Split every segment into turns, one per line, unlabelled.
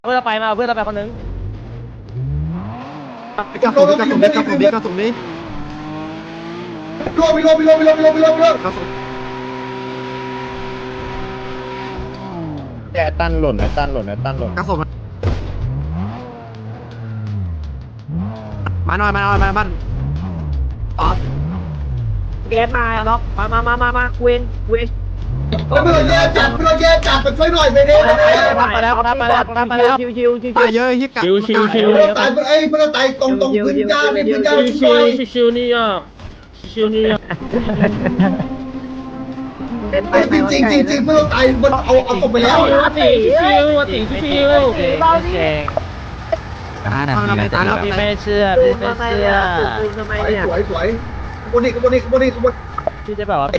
เพื่อนเราไปมาเพื่อนเราไปคนนึง
กระสุนนี้กระสุนนี้กระสุนนี้กระสุนนี้
โลไปโลไปโลไปโลไปโลไปโลไปโล
กระสุน
แกตั้นหล่นนะตั้นหล่นนะตั้นหล่น
กระสุนมาหน่อยบ้าน
แกมาล็อกมาเวน
ไม่ต้องแย่จับไม่ต้องแย่จับไปช่วยหน่อยไปดิ
มาแล้วชิว
ตายเยอะที่กัด
ไม่ต้องตายไม่ต้องตายตรงพื้นหญ้าพื้นหญ้าช่วย
ชิวนี่อ่ะชิวนี่อ่ะ
จริงไม่ต้องตายมันเอาตกไปแล้ว
ชิว พี่ไม่เชื่อทำไมเนี่ย
สวยบนนี้
พี่จะแบบว่า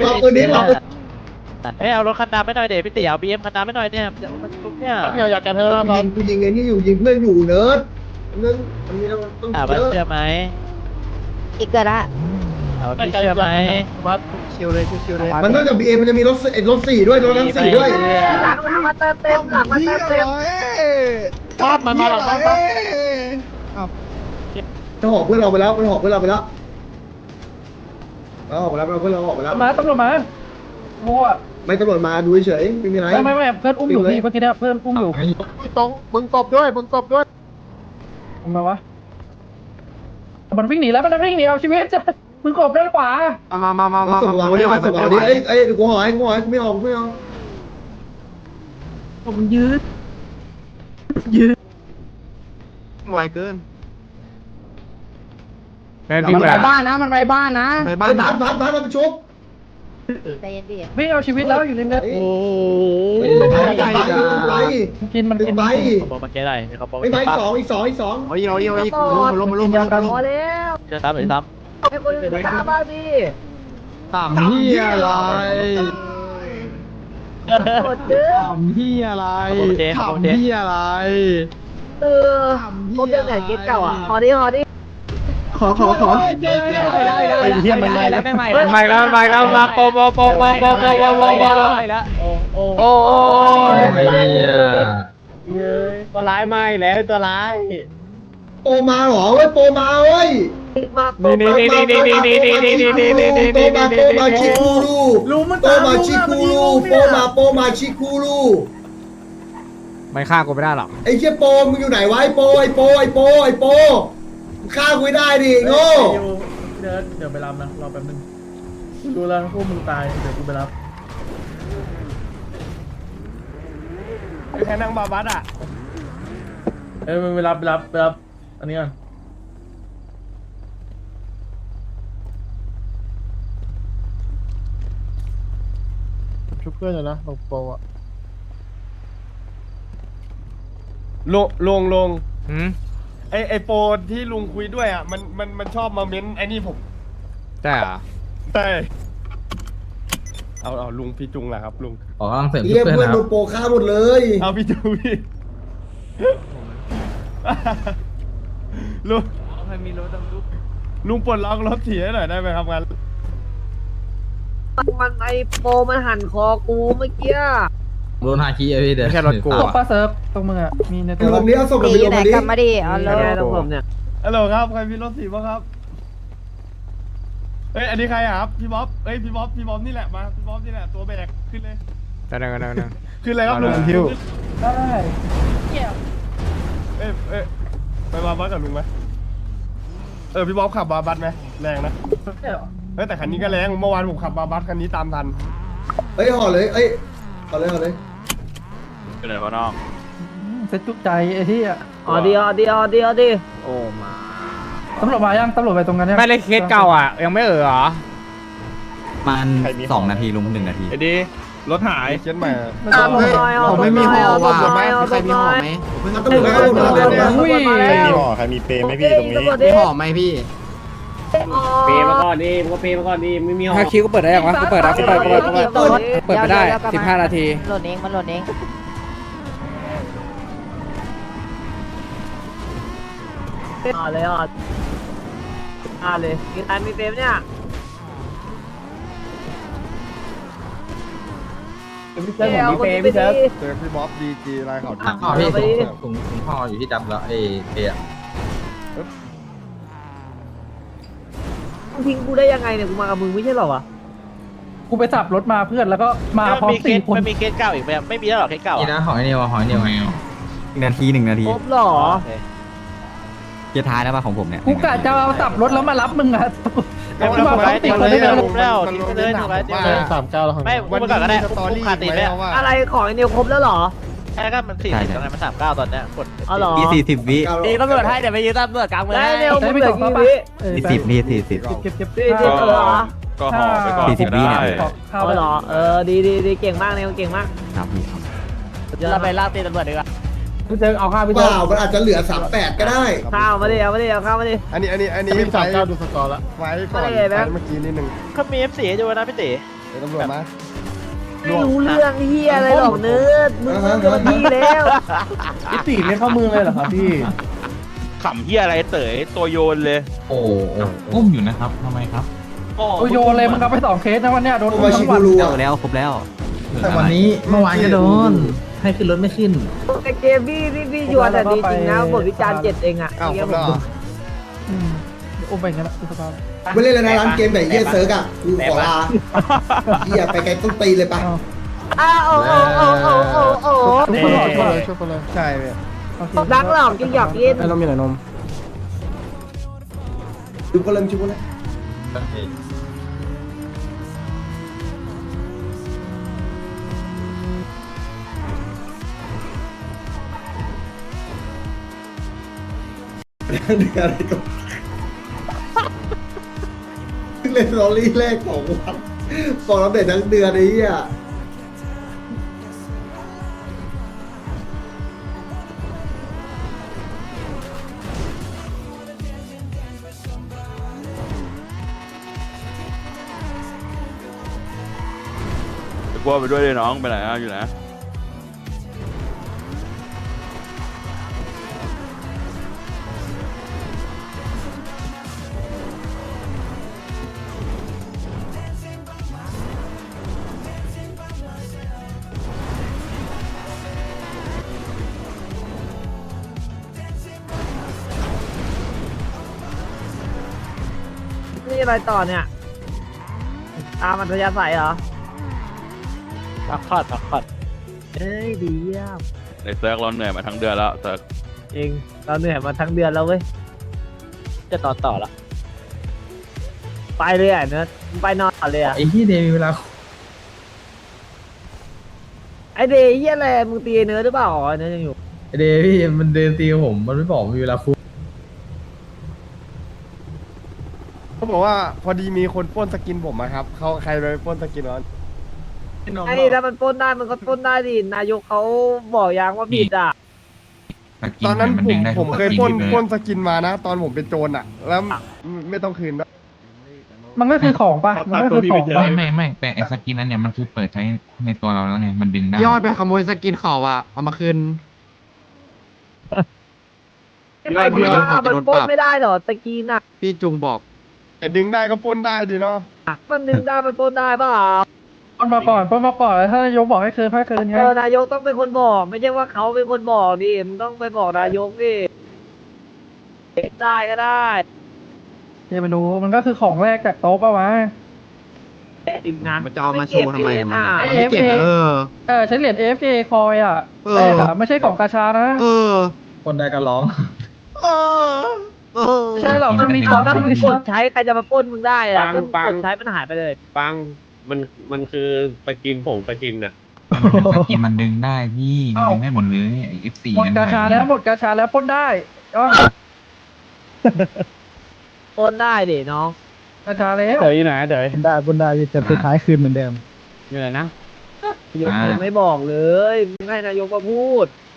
เอารถคันดำไม่หน่อยเดี๋ยวพี่ติ๋วบีเอ็มคันดำไม่หน่อยเนี่ยมันทุกเนี่ยอยากจะเธอแล้ว
ยิงไอ้นี่อยู่ยิงเพื่อนอยู่เนิร์ดเนิร์ดอันนี้เราต้อง
มันเชื่อไหม
อีกเกิดละ
พี่เชื่อไหม
วัดชิวเลยชิวเลย
มันนอกจากบีเอ็มมันจะมีรถ4ด้วยรถนั้น4ด้วย
หลังมาเติมเต็มหลังมาเติมเต็ม
ชอบมันมาหรอครับ
จะหอกเพื่อนเราไปแล้วมันหอกเพื่อนเราไปแล้วเราออกไปแล้วเพื่อนเราออกไปแล้ว
มาตำรวจมาโง่อะ
ไม่ตำรวจมาดูเฉยไม่มีอะไร
ไม่เพื่อนอุ้มอยู่พี่เมื่อกี้เนี่ยเพื่อนอุ้มอยู่
ตรงมึงตบด้วย
ทำไมวะมันวิ่งหนีแล้วมันวิ่งหนีเอาชีวิตจะมึงกบด้านขวา
มา
ส่งวางไว้ดิส่งวางดิไอ้กูหอยกูไม่ออกไม่ออก
ผมยืด
ไวเกิน
มันไปบ้านนะมันไปบ้านนะ
ไป
บ้า
บ้าน น
บ้านมันชุบ
ใจเย็นดิ
วิ่งเอาชีวิตแล้วอยู่ริมเนี่ย
โอ้ไป
กินมันกิน
ไป
บอกมาแก้ได้เขาบอก
ไม่ไปอีกสอง
เอาอีกล้ม
พอแล้ว
เชื่อซ้ำหรือซ้ำ
ให้คนอื่นตามบ้างดิ
ถามเฮียอะไร
กดเด้อ
ถามเฮียอะไรถามเฮียอะไร
ครบเรื่องไหนเกตเก่าอ่ะฮอดิ
ขอ
ไอ้เหี้ยมันใหม่แล้วมาโปแล้วโตัวร้ายไม่แล้วตัวร้าย
โปมาหรอเว้ยโปมาเว้ย
มา
โปมาชิคูรูโปมาชิคูรูโปมาชิคูรู
ไม่ฆ่ากูไม่ได้หรอก
ไอ้เชี่ยโปมึงอยู่ไหนวะไอ้โปฆ่ากูได้ดิโง่
เดี๋ยวไปรับนะรอแป๊บนึงดูแล้วพวกมึงตายเดี๋ยวกูไปรับ
แค่นั่งบาบัสอ่ะ
มึงไปรับอันนี้ก่อน
ชุบเพื่อนเลยนะลงโปอ่ะ
ลุง
หืม
ไอโปรที่ลุงคุยด้วยอ่ะมันชอบมาเม้นไอ้นี่ผม
ใช่เหรอ
ใช่เอาลุงพี่จุงแหละครับลุง
อ๋อกำลังเสริม
เรียกเพื่อนโดนโปฆ่าหมดเลย
เอาพี่จุงพี่ลุงใครมีรถต้องลุงปลดล็อกรถเสียหน่อยได้ไหมครับงั้น
มันไอโปมันหั่นคอกูเมื่อกี้
โดนฮาคิอะพี่เดี๋ยวไม่ใช่รถกู
ตกปลาเซิร์ฟตรงมึงอ่ะมีในตัว
ลงนี้เอาส่ง
หนี
ไป
อยู่
ลง
ไหน
มาดิ
กลับมาดิเอาเลย
ต้องผมเนี่ย
ฮัลโหลครับใครมีรถสีบ้างครับเฮ้ยอันนี้ใครอะครับพี่บ๊อบพี่บ๊อบนี่แหละมาพี่บ๊อบนี่แหละตัวแบกขึ้นเลย
ได้
ขึ้นเลยครับลุง
ได้
ไปบาบัสกับลุงไหมพี่บ๊อบขับบาบัสไหมแรงนะแต่คันนี้ก็แรงเมื่อวานผมขับบาบัสคันนี้ตามทัน
ห่อเลยห่อเลย
ไปเลยพ่อน้อง
เซ็ตจุกใจไอ้ที่อ่ะ
โอ้มา
ตำรวจมายังตำรวจไปตรงนั้นยัง
ไม่เลยเคสเก่าอ่ะ ยังไม่เหรอ
มัน2 นาทีลุง1 นาที
ไอ้ดีรถหายเชียนใหม่
ผมไม่มีห่อว่ะใครมีห่อไหม
ตำรวจมาตำรวจมา
อุ้ย
ใครมีห่อใครมีเปรย์ไหมพี่ตรงนี้
มีห่อไหมพี่
เปย์มาก่อนดิมึงก็เปย์มาก่อนดิไม่มีห้อง
ถ้าคิวก็เปิดได้ยังวะกูเปิดนะกูเปิดไม่ได้15 นาที
โหลดเองมันโหลดเอง
เลยกินอันมีเฟมเนี่ย
พี่เซิร์ฟผมมีเปย์พี่เซิร์ฟ
เจอพี่บ๊อบดีจีไรเขา
อ๋อพี่ถุง
พ่ออยู่ที่ดับแล้วเอเอ
มึงทิ้งกูได้ยังไงเนี่ยกูมากับมึงไม่ใช่หรอวะ
กูไปสับรถมาเพื่อนแล้วก็มาพร้อม4 คน
มันมีเคสเก่าอีกไหมไม่มีแล้วหรอเคสเก่า
นี่นะหอยเนียว1 นาที 1 นาที
ครบหรอ
เกียร์ท้ายแล้วป่ะของผมเนี่ย
กูกะจะเอาสับรถแล้วมารับมึงอะ
ไม่ไม่ไม่ไม่ไม่ไม่แล้วทิ้งไปเลยถูกไหมทิ้งไปเลย
39แล้ว
ไม่พูดก่อนก็ได้พูดคาตีนไหม
อะไรของไอ้นิวครบแล้วหรอ
ใช่ก็มัน40ตอนนั้นมัน39ตอนเนี้ยกด
อ๋อหรอ
อี40 วิ
ตีตำรวจให้เดี๋ยวไปยืนตำรวจกลางเมือง
ได้เร็วมึงเหลือกี่วิ
40นี่40
เก็บ
40เหรอ
ก็ห่อไปก่อน
40 วิเนี่ย
เข้า
เอา
ไป
เหรอดีเก่งมากเนี่ยเก่งมาก
ครับพี่ครับ
เราไปล่าตีตำรวจดีกว่า
พี่เซิร์ฟเอาข้าวพี่
เป
เซิร์ฟ
ล่ามันอาจจะเหลือ38ก็ได้
ข้าวมาดิเอาข้าวมาดิ
อันนี้ไฟดูสกอร์ละไฟก่อนไฟเมื่อกี้นิดนึง
เขามี F4 ให้ดูนะพี่ตี
เดี๋ยวตำรวจมา
ไม่รู้เรื่องเฮียอะไรหรอกเนื้อมึงโดนดีแล้ว
พี่ตีเล่นเข้ามือเลยเหรอครับพี่
ขำเฮียอะไรเต๋ยตัวโยนเลย
โอ้อุ้มอยู่นะครับทำไมครับ
โอ้โยนเลยมึงเอาไป2 เคสนะวันเนี้ยโดน
โอ
อุ้ม
มาชิ
ทั้งวั
กู
น
รู
แล้วครบแล้ว
แต่วันนี้เมื่อวานก็โดน ให้ขึ้นรถไม่ขึ้น
แต่เกมพี่ยวนแต่ดีจริงนะบทวิจารณ์7เองอ่ะ
อ้าวคนละ
อุ้มไปงั้นละอุปกรณ์
ไม่เล่นแล้วนะร้านเกมแบบเยี่ยเซิร์กอ่ะกูขอลาเยี่ยไปไกลต้นตีเลยปะ
โอ้
ทุกคนหลอดก่อนเลย
ช่วยคนเลยใช่เลย
รักหลอกจริงหยอกเล่น
นมมีหน่อยนม
ดูก็เริ่มชิบุเลยเดือนอะไรก็เล่นลอรี่แรกของวันบอกเราเด็ดทั้งเดือนนี้อ่ะ
กลัวไปด้วยเลยน้องไปไหนอยู่นะ
นี่อะไรต่อเนี่ยตามอัธยาศัยเหรอ
พักผ่อน
เอ้ยดีอ่ะ
ในเซิร์กเราเหนื่อยมาทั้งเดือนแล้วเซิร์ก
เองเราเหนื่อยมาทั้งเดือนแล้วเว้ย
จะนอนต่อละ
ไปเลยอ่ะเนื้อไปนอนเลยอ่ะ
ไอ้ที่เดย์มีเวลา
ไอเดย์เฮียอะไรมึงตีเนื้อหรือเปล่าเนื้อยังอยู่
เดย์พี่มันเดินตีผม มันไม่บอกมีเวลาคุย
เขาบอกว่าพอดีมีคนปล้นสกินผมครับเขาใครไปปล้นสกินวะ
ไอ้ถ้ามันปล้นได้มันก็ปล้นได้ดินายกเขาบอกยังว่าผิดอ่ะ
ตอนนั้นผมเคยปล้นสกินมานะ ตอนผมเป็นโจรอ่ะ แล้วไม่ต้องคืนด้วย
มันก็คือของป่ะมันก็คือของป่ะ
ไม่แต่ไอ้สกินนั้นเนี่ยมันคือเปิดใช้ในตัวเราแล้วไงมันดึงได้
ยอดไปขโมยสกินเขาอ่ะ เอามาคืน
ไอ้พี่ว่ามันปล้นไม่ได้หรอตะกี้น่ะ
พี่จุงบอก
แต่ดึงได้ก็ปล้นได้ดีเนาะ
มันดึงได้มันปล้นได้เปล่า
ปล้นมาก่อนถ้านายกบอกให้คืนให้คืนไง
นายกต้องเป็นคนบอก ไม่ใช่ว่าเขาเป็นคนบอกดิมันต้องไปบอกนายกดิได้ก็ได้
เดี๋ยวไปดูมันก็คือของแรกจากโต๊ะป่ะวะ
ทีมงาน
มันจะเอามาโชว์ทำไมมัน
เอ
ไม่
ฟ
เก็บ
ใช้เหรียญ AFK คอยอ่ะ
เออ
แต่ไม่ใช่ของกาชานะ
คนใดก็ร้อง
ไม่ใช่หรอกมันมีข
เขา
อง
ต้
ตั้
อง
ง
มีกดใช้ใครจะมาปล้นมึงได้อะ
ปัง
กดใช้มันหายไปเลย
ปังมันคือไปกินผงไปกินน่ะ
สกินมันดึงได้พี่มันดึงได้หมดเลยไอ้ F4
หมดกาชาแล้วหมดกาชาแล้วปล้นได้อ๋อ
ปล้นได้ดิน้อง
กาชาแล้ว
เดี๋ยวอยู่ไหนเดี๋ยว
ได้บนได้แต่สุดท้ายคืนเหมือนเดิม
อยู่ไหนนะ
นายกยังไม่บอกเลยมึงให้นายกมาพูด